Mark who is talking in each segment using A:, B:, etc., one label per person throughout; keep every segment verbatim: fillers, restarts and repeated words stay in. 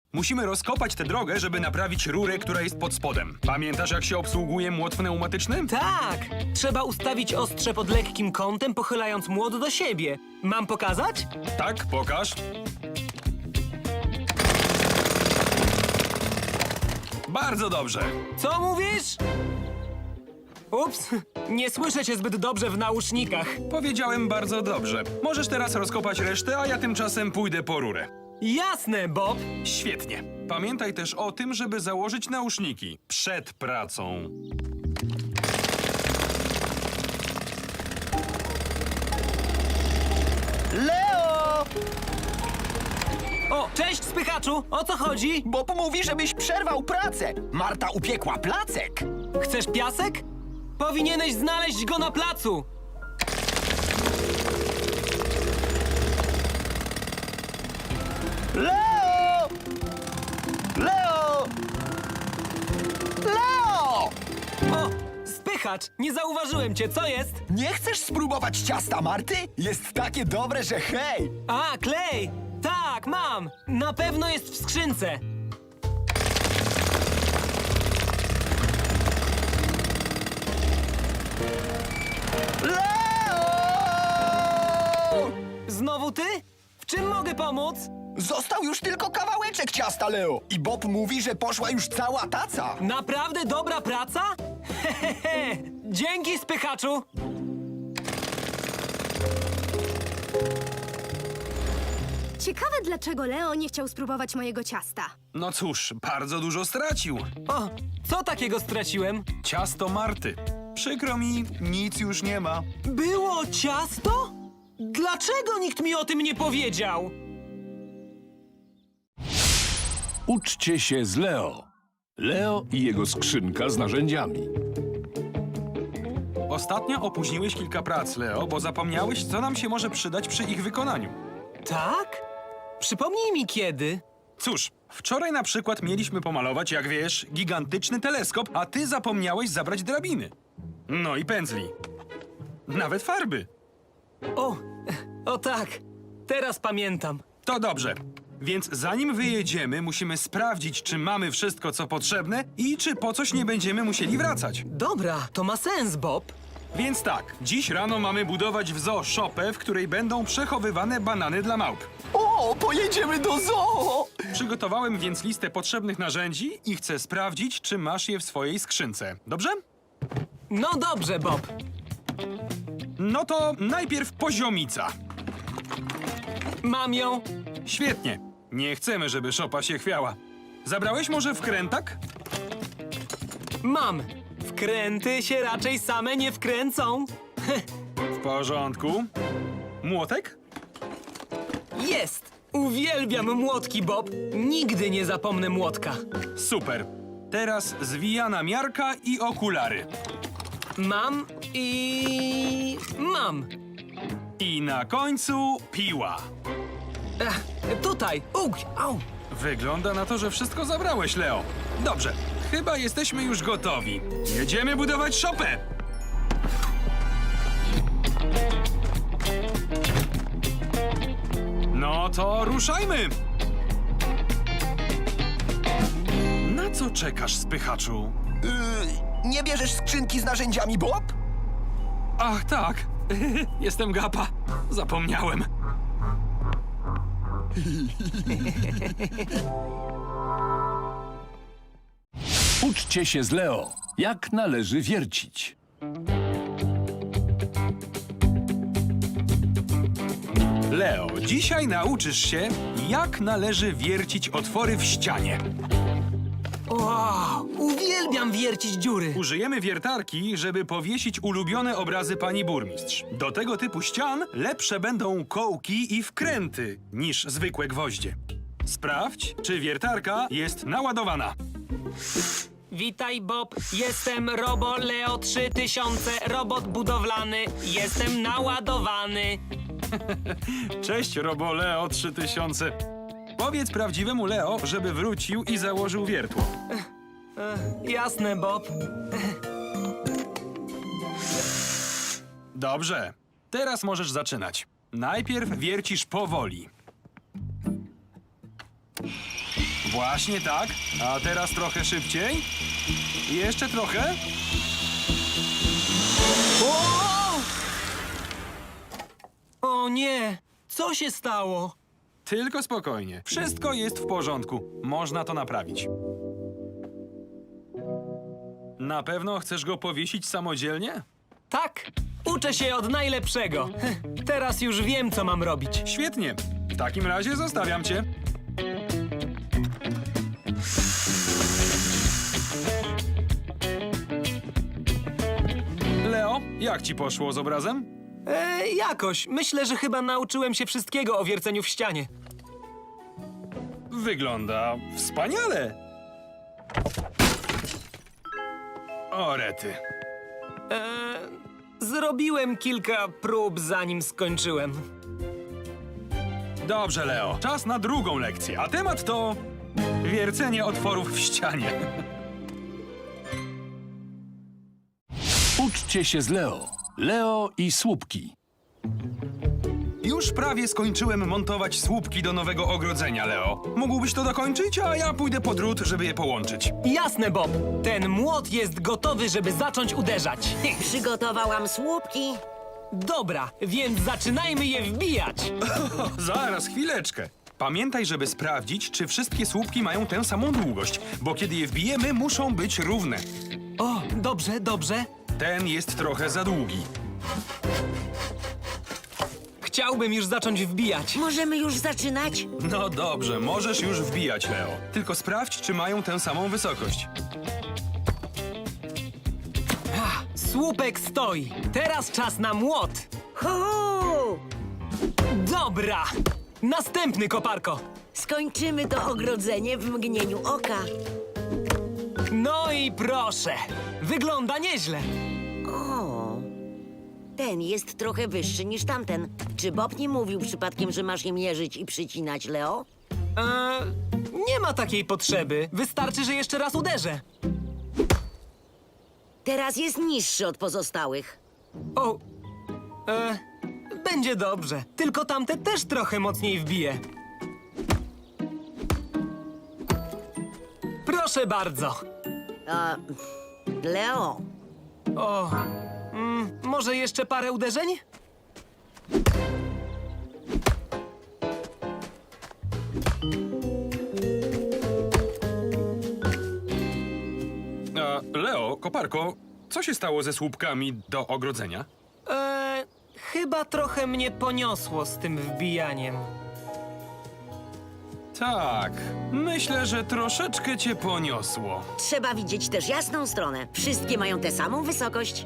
A: Musimy rozkopać tę drogę, żeby naprawić rurę, która jest pod spodem. Pamiętasz, jak się obsługuje młot pneumatyczny?
B: Tak! Trzeba ustawić ostrze pod lekkim kątem, pochylając młot do siebie. Mam pokazać?
A: Tak, pokaż. Bardzo dobrze.
B: Co mówisz? Ups, nie słyszę cię zbyt dobrze w nausznikach.
A: Powiedziałem bardzo dobrze. Możesz teraz rozkopać resztę, a ja tymczasem pójdę po rurę.
B: Jasne, Bob.
A: Świetnie. Pamiętaj też o tym, żeby założyć nauszniki przed pracą.
C: Leo!
B: O, cześć, spychaczu! O co chodzi?
C: Bob mówi, żebyś przerwał pracę. Marta upiekła placek.
B: Chcesz piasek? Powinieneś znaleźć go na placu.
C: Leo! Leo! Leo!
B: O, spychacz! Nie zauważyłem cię, co jest?
C: Nie chcesz spróbować ciasta Marty? Jest takie dobre, że hej!
B: A, klej! Tak, mam! Na pewno jest w skrzynce.
C: Leo!
B: Znowu ty? W czym mogę pomóc?
C: Został już tylko kawałeczek ciasta, Leo. I Bob mówi, że poszła już cała taca.
B: Naprawdę dobra praca? Hehehe! Dzięki, spychaczu!
D: Ciekawe, dlaczego Leo nie chciał spróbować mojego ciasta.
A: No cóż, bardzo dużo stracił.
B: O, co takiego straciłem?
A: Ciasto Marty. Przykro mi, nic już nie ma.
B: Było ciasto? Dlaczego nikt mi o tym nie powiedział?
E: Uczcie się z Leo. Leo i jego skrzynka z narzędziami.
A: Ostatnio opóźniłeś kilka prac, Leo, bo zapomniałeś, co nam się może przydać przy ich wykonaniu.
B: Tak? Przypomnij mi kiedy.
A: Cóż, wczoraj na przykład mieliśmy pomalować, jak wiesz, gigantyczny teleskop, a ty zapomniałeś zabrać drabiny. No i pędzli. Nawet farby.
B: O, o tak, teraz pamiętam.
A: To dobrze. Więc zanim wyjedziemy, musimy sprawdzić, czy mamy wszystko, co potrzebne i czy po coś nie będziemy musieli wracać.
B: Dobra, to ma sens, Bob.
A: Więc tak, dziś rano mamy budować w zoo szopę, w której będą przechowywane banany dla małp.
C: O, pojedziemy do zoo!
A: Przygotowałem więc listę potrzebnych narzędzi i chcę sprawdzić, czy masz je w swojej skrzynce. Dobrze?
B: No dobrze, Bob.
A: No to najpierw poziomica.
B: Mam ją.
A: Świetnie. Nie chcemy, żeby szopa się chwiała. Zabrałeś może wkrętak?
B: Mam. Wkręty się raczej same nie wkręcą.
A: W porządku. Młotek?
B: Jest. Uwielbiam młotki, Bob. Nigdy nie zapomnę młotka.
A: Super. Teraz zwijana miarka i okulary.
B: Mam i... mam.
A: I na końcu piła.
B: Ech, tutaj. Ugh, au.
A: Wygląda na to, że wszystko zabrałeś, Leo. Dobrze. Chyba jesteśmy już gotowi. Jedziemy budować szopę! No to ruszajmy! Na co czekasz, spychaczu?
C: Yy, nie bierzesz skrzynki z narzędziami, Bob?
A: Ach, tak. Jestem gapa. Zapomniałem.
E: Uczcie się z Leo. Jak należy wiercić.
A: Leo, dzisiaj nauczysz się, jak należy wiercić otwory w ścianie.
B: Wow, uwielbiam wiercić dziury.
A: Użyjemy wiertarki, żeby powiesić ulubione obrazy pani burmistrz. Do tego typu ścian lepsze będą kołki i wkręty niż zwykłe gwoździe. Sprawdź, czy wiertarka jest naładowana.
B: Witaj, Bob. Jestem Robo Leo trzy tysiące, robot budowlany. Jestem naładowany.
A: Cześć, Robo Leo trzy tysiące. Powiedz prawdziwemu Leo, żeby wrócił i założył wiertło.
B: Jasne, Bob.
A: Dobrze. Teraz możesz zaczynać. Najpierw wiercisz powoli. Właśnie tak. A teraz trochę szybciej. I jeszcze trochę.
B: O! O nie! Co się stało?
A: Tylko spokojnie. Wszystko jest w porządku. Można to naprawić. Na pewno chcesz go powiesić samodzielnie?
B: Tak, uczę się od najlepszego. Teraz już wiem, co mam robić.
A: Świetnie. W takim razie zostawiam cię. Leo, jak ci poszło z obrazem?
B: E, jakoś. Myślę, że chyba nauczyłem się wszystkiego o wierceniu w ścianie.
A: Wygląda wspaniale. O rety.
B: E, zrobiłem kilka prób, zanim skończyłem.
A: Dobrze, Leo. Czas na drugą lekcję. A temat to wiercenie otworów w ścianie.
E: Uczcie się z Leo. Leo i słupki.
A: Już prawie skończyłem montować słupki do nowego ogrodzenia, Leo. Mógłbyś to dokończyć, a ja pójdę po drut, żeby je połączyć.
B: Jasne, Bob. Ten młot jest gotowy, żeby zacząć uderzać.
F: Przygotowałam słupki.
B: Dobra, więc zaczynajmy je wbijać.
A: O, zaraz, chwileczkę. Pamiętaj, żeby sprawdzić, czy wszystkie słupki mają tę samą długość, bo kiedy je wbijemy, muszą być równe.
B: O, dobrze, dobrze.
A: Ten jest trochę za długi.
B: Chciałbym już zacząć wbijać.
F: Możemy już zaczynać?
A: No dobrze, możesz już wbijać, Leo. Tylko sprawdź, czy mają tę samą wysokość.
B: Słupek stoi. Teraz czas na młot.
F: Hu!
B: Dobra. Następny, koparko.
F: Skończymy to ogrodzenie w mgnieniu oka.
B: No i proszę. Wygląda nieźle.
F: O, ten jest trochę wyższy niż tamten. Czy Bob nie mówił przypadkiem, że masz je mierzyć i przycinać, Leo?
B: Eee, nie ma takiej potrzeby. Wystarczy, że jeszcze raz uderzę.
F: Teraz jest niższy od pozostałych.
B: O, e, będzie dobrze. Tylko tamte też trochę mocniej wbije. Proszę bardzo.
F: A, Leo,
B: O, mm, może jeszcze parę uderzeń?
A: A, Leo, koparko, co się stało ze słupkami do ogrodzenia?
B: Eee, chyba trochę mnie poniosło z tym wbijaniem.
A: Tak, myślę, że troszeczkę cię poniosło.
F: trzeba widzieć też jasną stronę. Wszystkie mają tę samą wysokość.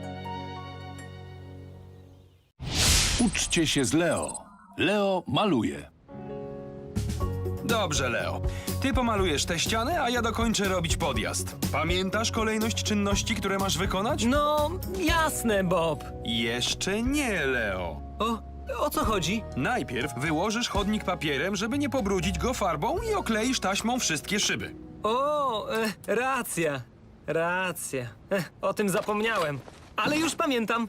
E: Uczcie się z Leo. Leo maluje.
A: Dobrze, Leo. Ty pomalujesz te ściany, a ja dokończę robić podjazd. Pamiętasz kolejność czynności, które masz wykonać?
B: No, jasne, Bob.
A: Jeszcze nie, Leo.
B: O, o co chodzi?
A: Najpierw wyłożysz chodnik papierem, żeby nie pobrudzić go farbą i okleisz taśmą wszystkie szyby.
B: O, e, racja, racja. E, o tym zapomniałem, ale już pamiętam.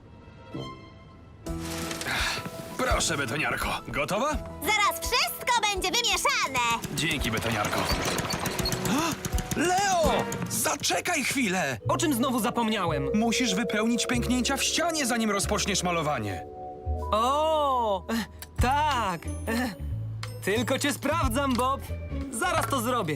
A: Proszę, betoniarko. Gotowa?
G: Zaraz wszystko będzie wymieszane!
A: Dzięki, betoniarko. A, Leo! Zaczekaj chwilę!
B: O czym znowu zapomniałem?
A: Musisz wypełnić pęknięcia w ścianie, zanim rozpoczniesz malowanie.
B: O, e, tak. E, tylko cię sprawdzam, Bob. Zaraz to zrobię.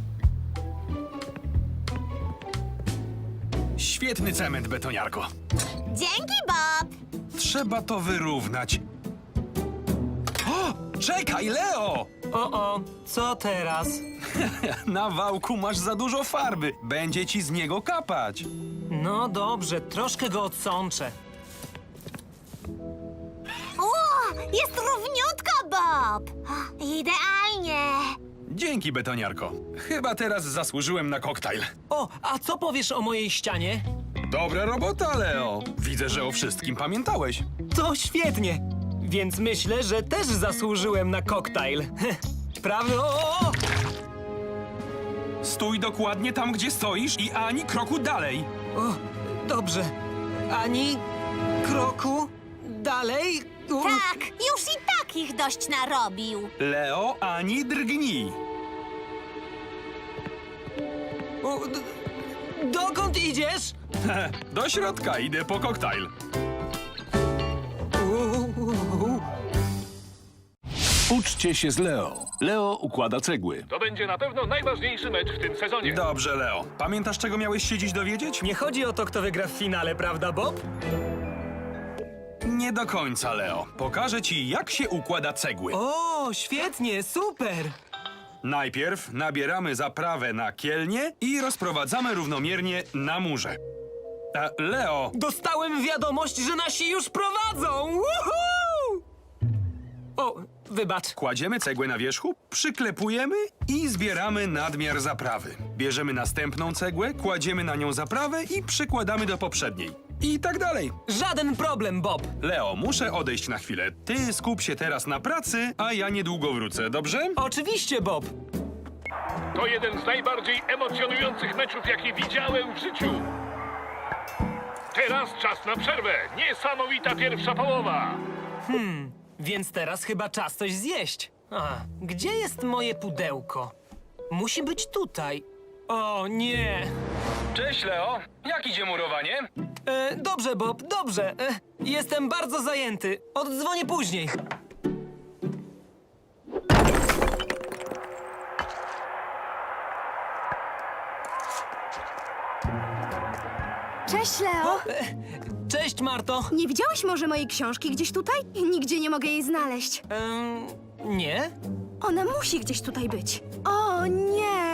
A: Świetny cement, betoniarko.
G: Dzięki, Bob!
A: Trzeba to wyrównać. O! Czekaj, Leo!
B: O, o, co teraz?
A: Na wałku masz za dużo farby. Będzie ci z niego kapać.
B: No dobrze, troszkę go odsączę.
G: O, jest równiutko, Bob! Idealnie!
A: Dzięki, betoniarko. Chyba teraz zasłużyłem na koktajl.
B: O, a co powiesz o mojej ścianie?
A: Dobra robota, Leo. Widzę, że o wszystkim pamiętałeś.
B: To świetnie. Więc myślę, że też zasłużyłem na koktajl. Prawda? O, o, o!
A: Stój dokładnie tam, gdzie stoisz i ani kroku dalej.
B: o, dobrze. Ani kroku dalej. U,
G: Tak, już i tak ich dość narobił.
A: Leo, ani drgnij.
B: O, d- dokąd idziesz?
A: Do środka idę po koktajl.
B: Uuu.
E: Uczcie się z Leo. Leo układa cegły.
H: To będzie na pewno najważniejszy mecz w tym sezonie.
A: Dobrze, Leo. Pamiętasz, czego miałeś się dziś dowiedzieć?
B: Nie chodzi o to, kto wygra w finale, prawda, Bob?
A: Nie do końca, Leo. Pokażę ci, jak się układa cegły.
B: O, świetnie, super!
A: Najpierw nabieramy zaprawę na kielnie i rozprowadzamy równomiernie na murze. A, Leo,
B: Dostałem wiadomość, że nasi już prowadzą! Woohoo! O, wybacz.
A: kładziemy cegłę na wierzchu, przyklepujemy i zbieramy nadmiar zaprawy. Bierzemy następną cegłę, kładziemy na nią zaprawę i przykładamy do poprzedniej. I tak dalej.
B: Żaden problem, Bob.
A: Leo, muszę odejść na chwilę. Ty skup się teraz na pracy, a ja niedługo wrócę, dobrze?
B: Oczywiście, Bob.
H: To jeden z najbardziej emocjonujących meczów, jakie widziałem w życiu. Teraz czas na przerwę. Niesamowita pierwsza połowa.
B: Więc teraz chyba czas coś zjeść. A, gdzie jest moje pudełko? Musi być tutaj. O, nie.
A: Cześć, Leo. Jak idzie murowanie?
B: E, dobrze, Bob, dobrze. E, jestem bardzo zajęty. Oddzwonię później.
D: Cześć, Leo.
B: Cześć, Marto.
D: Nie widziałeś może mojej książki gdzieś tutaj? Nigdzie nie mogę jej znaleźć.
B: Em, nie?
D: Ona musi gdzieś tutaj być. O nie!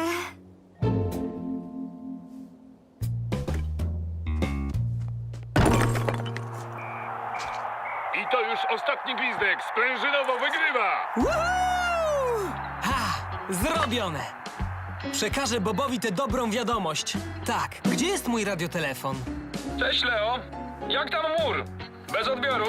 H: I to już ostatni gwizdek. Sprężynowo wygrywa.
B: Woohoo! Ha! Zrobione! Przekażę Bobowi tę dobrą wiadomość. Tak, gdzie jest mój radiotelefon?
A: Cześć, Leo. Jak tam mur? Bez odbioru?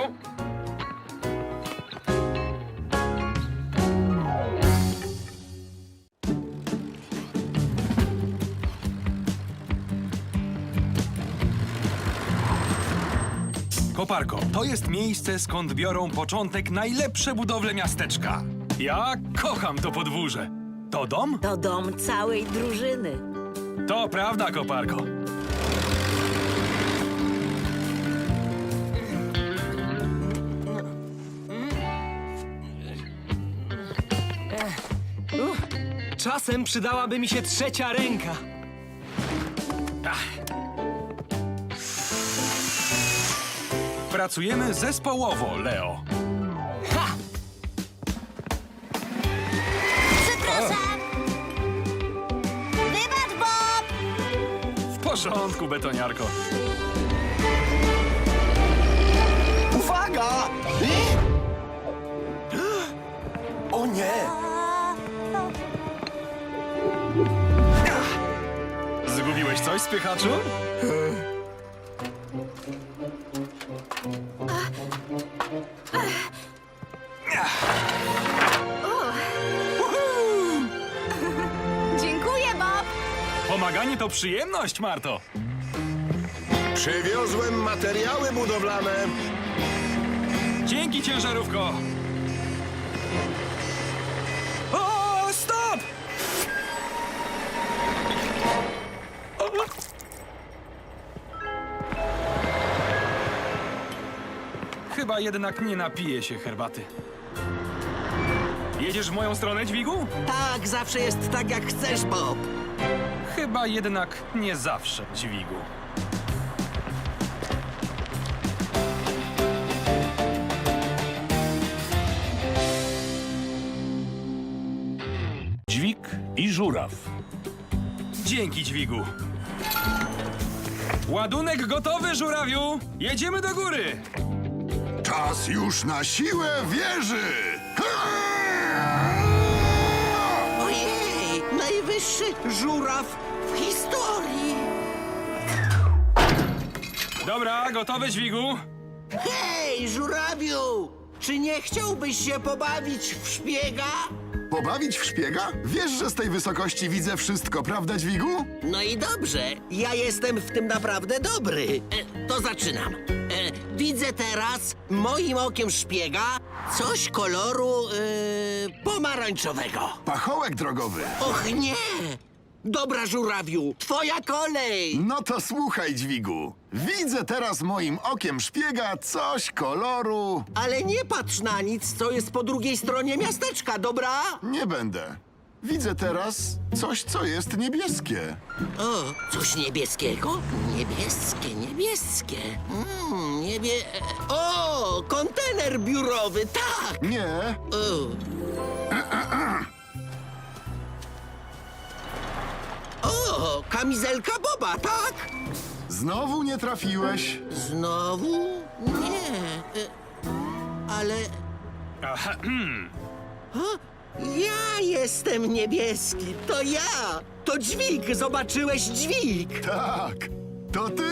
A: Koparko, to jest miejsce, skąd biorą początek najlepsze budowle miasteczka. Ja kocham to podwórze. To dom?
F: To dom całej drużyny.
A: To prawda, Koparko.
B: Czasem przydałaby mi się trzecia ręka.
A: Pracujemy zespołowo, Leo.
B: Ha!
G: Przepraszam. Wybacz, Bob.
A: W porządku, betoniarko.
C: Uwaga! I... O nie!
A: Zgubiłeś coś, spychaczu?
D: Dziękuję, Bob.
A: Pomaganie to przyjemność, Marto.
I: Przywiozłem materiały budowlane.
A: Dzięki, ciężarówko. O, stop! Chyba jednak nie napiję się herbaty. Jedziesz w moją stronę, dźwigu?
J: Tak, zawsze jest tak, jak chcesz, Bob.
A: Chyba jednak nie zawsze, dźwigu.
E: Dźwig i żuraw.
A: Dzięki, dźwigu. Ładunek gotowy, żurawiu! Jedziemy do góry!
I: Czas już na siłę wieży.
J: Ojej, najwyższy żuraw w historii.
A: Dobra, gotowe, dźwigu?
J: Hej, żurawiu! Czy nie chciałbyś się pobawić w szpiega?
I: Pobawić w szpiega? Wiesz, że z tej wysokości widzę wszystko, prawda, dźwigu?
J: No i dobrze, ja jestem w tym naprawdę dobry. E, to zaczynam. E, widzę teraz moim okiem szpiega coś koloru e, pomarańczowego.
I: Pachołek drogowy.
J: Och nie! Dobra, żurawiu, twoja kolej!
I: No to słuchaj, dźwigu. Widzę teraz moim okiem szpiega coś koloru...
J: Ale nie patrz na nic, co jest po drugiej stronie miasteczka, dobra?
I: Nie będę. Widzę teraz coś, co jest niebieskie.
J: O, coś niebieskiego? Niebieskie, niebieskie. Mm, niebie... O, kontener biurowy, tak!
I: Nie,
J: O. O, kamizelka Boba, tak?
I: znowu nie trafiłeś.
J: Znowu? Nie. e, Ale...
A: Aha,
J: O, ja jestem niebieski, to ja! To dźwig, zobaczyłeś dźwig!
I: Tak, to ty.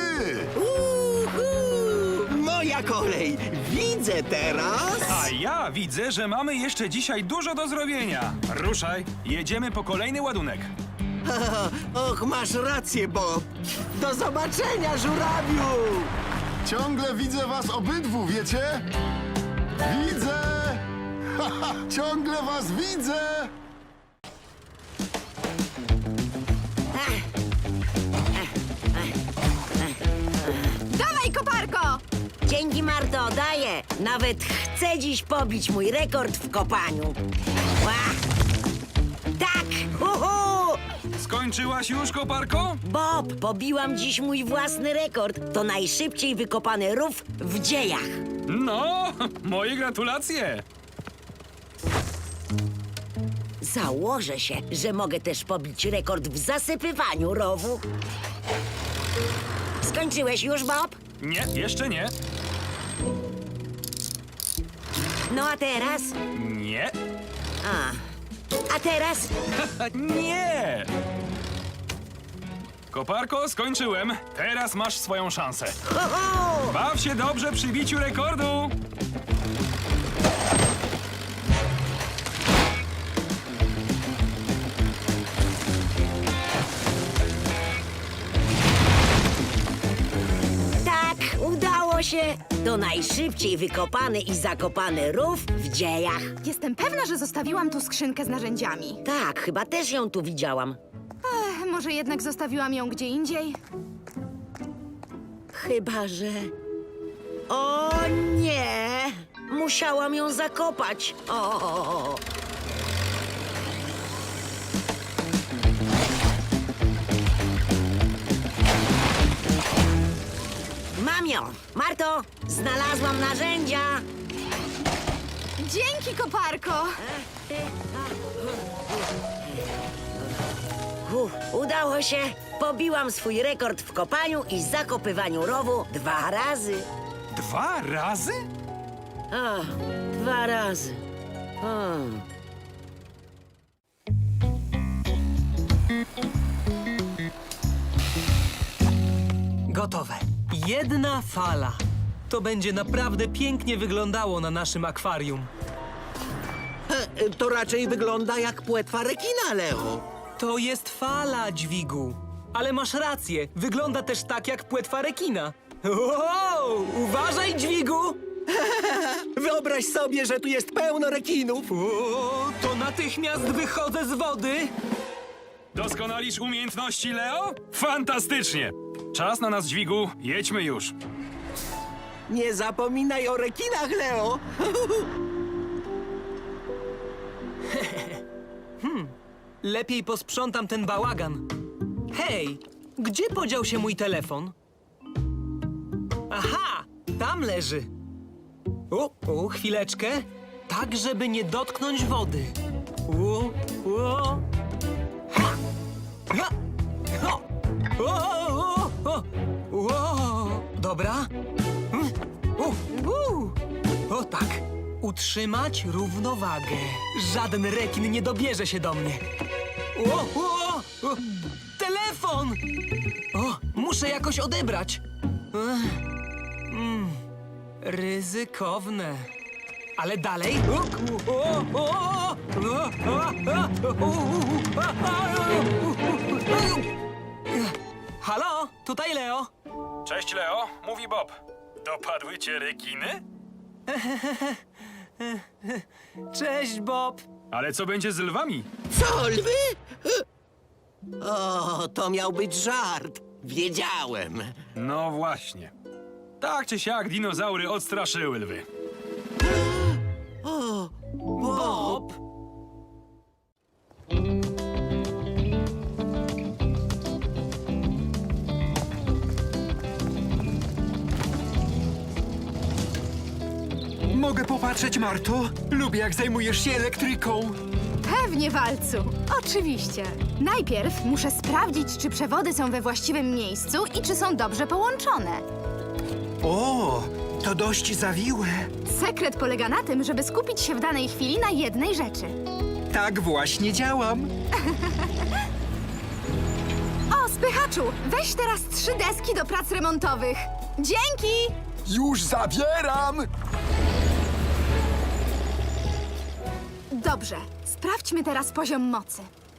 J: Uhu! Moja kolej! Widzę teraz!
A: a ja widzę, że mamy jeszcze dzisiaj dużo do zrobienia. Ruszaj, jedziemy po kolejny ładunek.
J: Och, masz rację, Bob! Do zobaczenia, żurawiu!
I: Ciągle widzę was obydwu, wiecie? Widzę! Haha, ciągle was widzę!
D: Dawaj, koparko!
F: Dzięki, Marto, daję. Nawet chcę dziś pobić mój rekord w kopaniu. Ła! Tak! Uhu!
A: Skończyłaś już, koparko?
F: Bob, pobiłam dziś mój własny rekord. To najszybciej wykopany rów w dziejach.
A: No, moje gratulacje.
F: Założę się, że mogę też pobić rekord w zasypywaniu rowu. Skończyłeś już, Bob?
A: Nie, jeszcze nie.
F: No a teraz?
A: Nie.
F: A. A teraz?
A: Nie! Koparko, skończyłem. Teraz masz swoją szansę.
F: Ho, ho!
A: Baw się dobrze przy biciu rekordu.
F: Tak, udało się. To najszybciej wykopany i zakopany rów w dziejach.
D: Jestem pewna, że zostawiłam tu skrzynkę z narzędziami.
F: Tak, chyba też ją tu widziałam.
D: Ech, może jednak zostawiłam ją gdzie indziej?
F: Chyba, że... O nie! Musiałam ją zakopać. O! Mam ją! Marto, znalazłam narzędzia!
D: Dzięki, koparko!
F: Uf, udało się! Pobiłam swój rekord w kopaniu i zakopywaniu rowu dwa razy.
A: Dwa razy?
F: O, dwa razy. O.
B: Gotowe. Jedna fala. To będzie naprawdę pięknie wyglądało na naszym akwarium.
J: E, To raczej wygląda jak płetwa rekina, Leo.
B: To jest fala, dźwigu. Ale masz rację, wygląda też tak jak płetwa rekina. Wow! Uważaj, dźwigu!
J: Wyobraź sobie, że tu jest pełno rekinów.
B: O, to natychmiast wychodzę z wody.
A: Doskonalisz umiejętności, Leo? Fantastycznie! Czas na nas, dźwigu. Jedźmy już.
J: Nie zapominaj o rekinach, Leo.
B: Lepiej posprzątam ten bałagan. Hej, gdzie podział się mój telefon? Aha, tam leży. O, o, chwileczkę. Tak, żeby nie dotknąć wody. O, o. Ha! Ha! Ho! O, o, o, o. Dobra. Mm. U, u. O tak. Utrzymać równowagę. Żaden rekin nie dobierze się do mnie. O, o, o. Telefon! O, muszę jakoś odebrać. Ech. Mm. Ryzykowne. Ale dalej. O, o, o, o, o, o, o. Halo, tutaj Leo.
A: Cześć, Leo. Mówi Bob. Dopadły cię rekiny?
B: Cześć, Bob.
A: Ale co będzie z lwami?
J: Co, lwy? O, to miał być żart. Wiedziałem.
A: No właśnie. Tak czy siak dinozaury odstraszyły lwy.
B: Bob!
C: Mogę popatrzeć, Marto? Lubię, jak zajmujesz się elektryką.
D: Pewnie, Walcu. Oczywiście. Najpierw muszę sprawdzić, czy przewody są we właściwym miejscu i czy są dobrze połączone.
C: O, to dość zawiłe.
D: Sekret polega na tym, żeby skupić się w danej chwili na jednej rzeczy.
C: Tak właśnie działam.
D: O, spychaczu, weź teraz trzy deski do prac remontowych. Dzięki!
C: Już zabieram!
D: Dobrze, sprawdźmy teraz poziom mocy.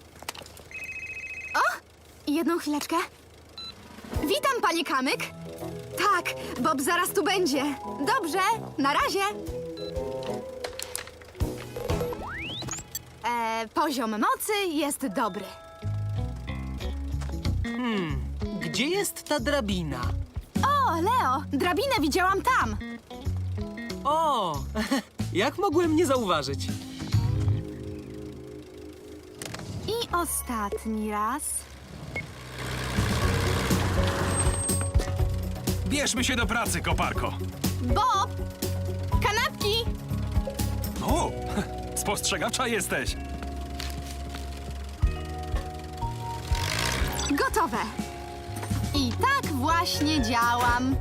D: O, jedną chwileczkę. Witam, panie Kamyk. Tak, Bob zaraz tu będzie. Dobrze, na razie. E, poziom mocy jest dobry.
B: Gdzie jest ta drabina?
D: O, Leo, drabinę widziałam tam.
B: O! Jak mogłem nie zauważyć?
D: I ostatni raz.
A: Bierzmy się do pracy, koparko.
D: Bob! Kanapki!
A: O, spostrzegawcza jesteś.
D: Gotowe. I tak właśnie działam.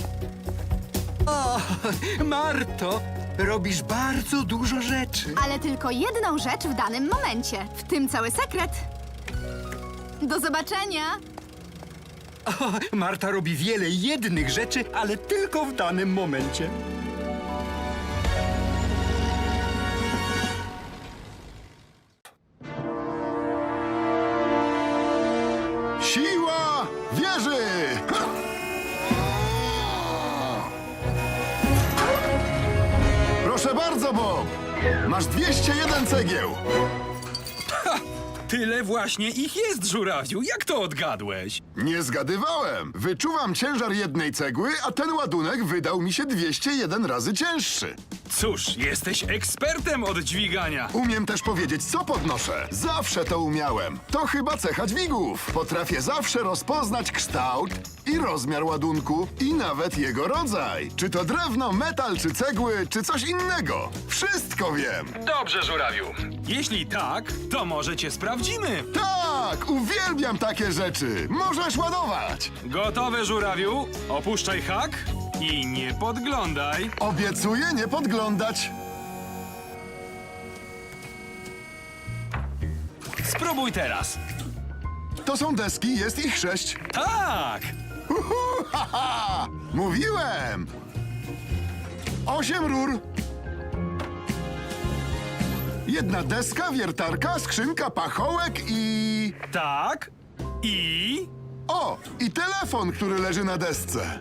C: O, Marto, robisz bardzo dużo rzeczy.
D: Ale tylko jedną rzecz w danym momencie. W tym cały sekret. Do zobaczenia.
C: O, Marta robi wiele jednych rzeczy, ale tylko w danym momencie.
I: Siła wieży! Ha! Proszę bardzo, Bob. Masz dwieście jeden cegieł.
A: Tyle właśnie ich jest, żurawiu. Jak to odgadłeś?
I: Nie zgadywałem. Wyczuwam ciężar jednej cegły, a ten ładunek wydał mi się dwieście jeden razy cięższy.
A: Cóż, jesteś ekspertem od dźwigania.
I: Umiem też powiedzieć, co podnoszę. Zawsze to umiałem. To chyba cecha dźwigów. Potrafię zawsze rozpoznać kształt i rozmiar ładunku i nawet jego rodzaj. Czy to drewno, metal, czy cegły, czy coś innego. Wszystko wiem.
A: Dobrze, żurawiu. Jeśli tak, to może cię sprawdzimy.
I: Tak, uwielbiam takie rzeczy. Możesz ładować.
A: Gotowe, żurawiu? Opuszczaj hak i nie podglądaj.
I: Obiecuję nie podglądać.
A: Spróbuj teraz.
I: To są deski, jest ich sześć.
A: Tak!
I: Uhu, haha! Mówiłem! Osiem rur. Jedna deska, wiertarka, skrzynka, pachołek i...
A: Tak. I...
I: O! I telefon, który leży na desce.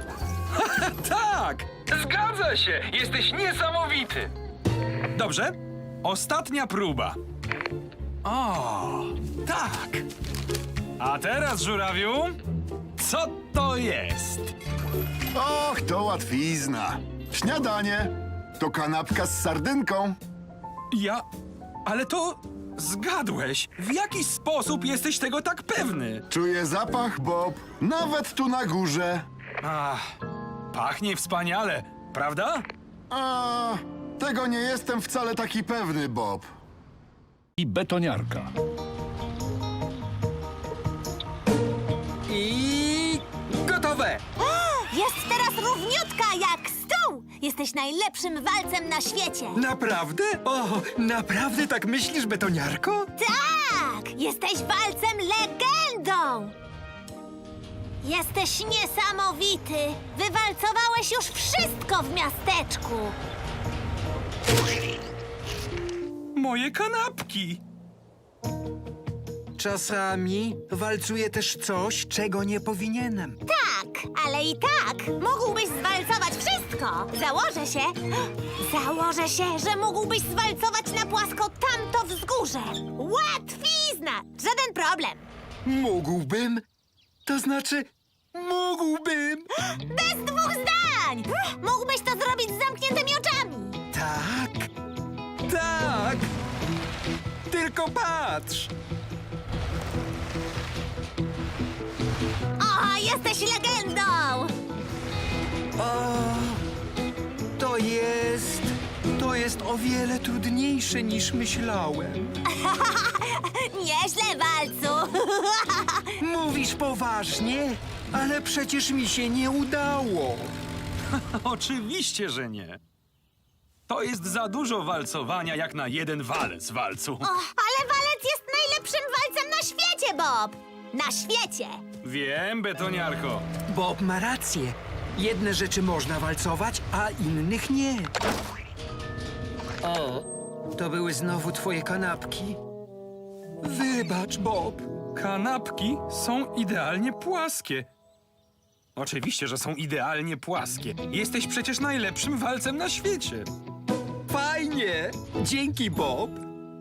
A: Tak! Zgadza się! Jesteś niesamowity! Dobrze. Ostatnia próba. O, tak. A teraz, żurawiu, co to jest?
I: Och, to łatwizna. Śniadanie. To kanapka z sardynką.
A: Ja... Ale to... Zgadłeś. W jaki sposób jesteś tego tak pewny?
I: Czuję zapach, Bob. Nawet tu na górze.
A: Ach, pachnie wspaniale, prawda?
I: A, tego nie jestem wcale taki pewny, Bob.
E: I betoniarka.
C: I gotowe.
G: Jest teraz równiutka jak stół! Jesteś najlepszym walcem na świecie!
C: Naprawdę? O, naprawdę tak myślisz, betoniarko?
G: Tak! Jesteś walcem legendą! Jesteś niesamowity! Wywalcowałeś już wszystko w miasteczku!
A: Moje kanapki.
C: Czasami walcuję też coś, czego nie powinienem.
G: Tak! tak, ale i tak mógłbyś zwalcować wszystko. Założę się, założę się, że mógłbyś zwalcować na płasko tamto wzgórze. Łatwizna, żaden problem.
C: Mógłbym? To znaczy, mógłbym.
G: Bez dwóch zdań! Mógłbyś to zrobić z zamkniętymi oczami.
C: Tak, tak. Tylko patrz.
G: O, jesteś legendą!
C: O, to jest... To jest o wiele trudniejsze niż myślałem.
G: Nieźle, walcu!
C: Mówisz poważnie? Ale przecież mi się nie udało.
A: Oczywiście, że nie. To jest za dużo walcowania jak na jeden walec, walcu.
G: O, ale walec jest najlepszym walcem na świecie, Bob! Na świecie!
A: Wiem, betoniarko.
C: Bob ma rację. Jedne rzeczy można walcować, a innych nie. O, to były znowu twoje kanapki. Wybacz, Bob.
A: Kanapki są idealnie płaskie. Oczywiście, że są idealnie płaskie. Jesteś przecież najlepszym walcem na świecie.
C: Fajnie. Dzięki, Bob.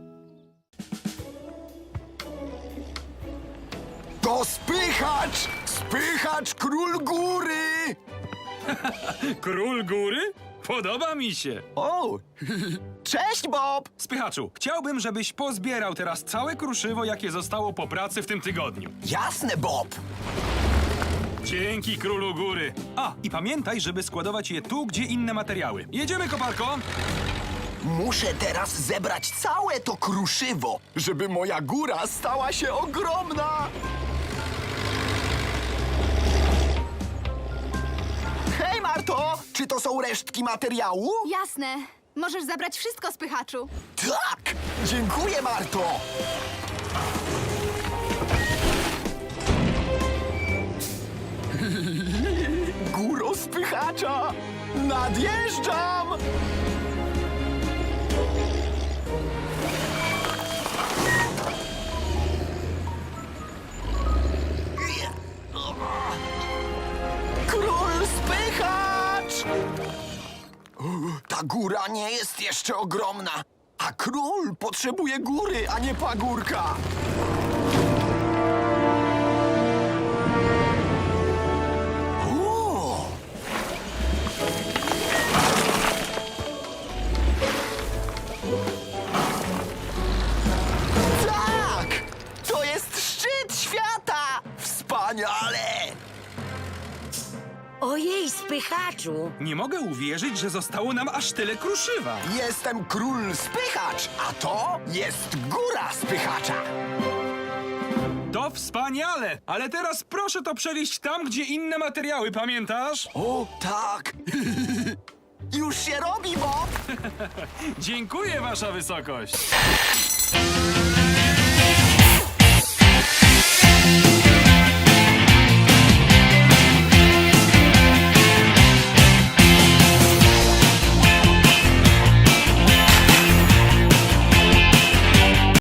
C: To spychacz! Spychacz król góry!
A: Król góry? Podoba mi się.
C: O, cześć, Bob!
A: Spychaczu, chciałbym, żebyś pozbierał teraz całe kruszywo, jakie zostało po pracy w tym tygodniu.
C: Jasne, Bob.
A: Dzięki, królu góry. A, i pamiętaj, żeby składować je tu, gdzie inne materiały. Jedziemy, koparko!
C: Muszę teraz zebrać całe to kruszywo, żeby moja góra stała się ogromna. Hej, Marto! Czy to są resztki materiału?
D: Jasne. Możesz zabrać wszystko, spychaczu.
C: Tak! Dziękuję, Marto! Góro spychacza! Nadjeżdżam! Król spychacz! Ta góra nie jest jeszcze ogromna, a król potrzebuje góry, a nie pagórka. O! Tak! To jest szczyt świata! Wspaniale!
F: Ojej, spychaczu!
A: Nie mogę uwierzyć, że zostało nam aż tyle kruszywa.
C: Jestem król spychacz, a to jest góra spychacza.
A: To wspaniale! Ale teraz proszę to przewieźć tam, gdzie inne materiały, pamiętasz?
C: O, tak. Już się robi, Bob.
A: Dziękuję, wasza wysokość.